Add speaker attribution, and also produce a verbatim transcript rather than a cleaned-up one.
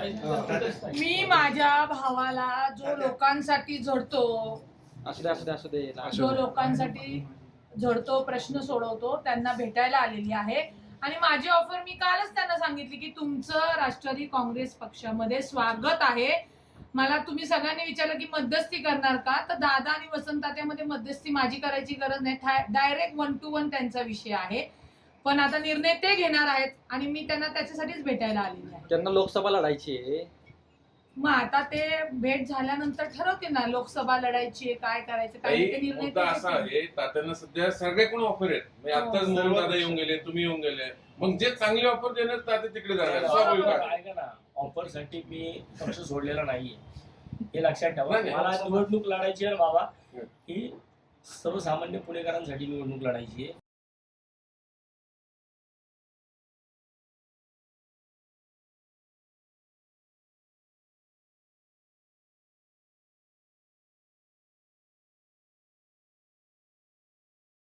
Speaker 1: मी माझ्या भावाला जो लोकांसाठी झडतो
Speaker 2: असू दे असू दे असू दे
Speaker 1: जो लोकांसाठी झडतो प्रश्न सोडवतो त्यांना भेटायला आलेली आहे आणि माझी ऑफर मी कालच त्यांना सांगितली की तुमचं राष्ट्रवादी काँग्रेस पक्षामध्ये स्वागत आहे. मला तुम्ही सगळ्यांनी विचारलं की मध्यस्थी करणार का, तर दादा आणि वसंतात्यामध्ये मध्यस्थी माझी करायची गरज नाही. डायरेक्ट वन टू वन त्यांचा विषय आहे. पण आता निर्णय ते घेणार आहेत आणि मी त्यांना त्याच्यासाठीच भेटायला आलेली आहे.
Speaker 2: त्यांना लोकसभा लढायची आहे.
Speaker 1: मग आता ते भेट झाल्यानंतर ठरवते ना लोकसभा लढायची काय करायचं काय ते निर्णय ते
Speaker 3: असा आहे. तात्यांना सध्या सगळ्याकडून ऑफर आहेत. म्हणजे आताच मोहन दादा येऊन गेले, तुम्ही येऊन गेले. मग जे चांगली ऑफर देणार तात्या तिकडे जाणार. स्वाभाविक आहे.
Speaker 4: ऐका ना, ऑफर साठी मी पक्ष सोडलेला नाहीये हे लक्षात ठेवा. मला निवडणूक लढायची आहे बाबा, ही सर्वसामान्य पुणेकरांसाठी निवडणूक लढायची आहे.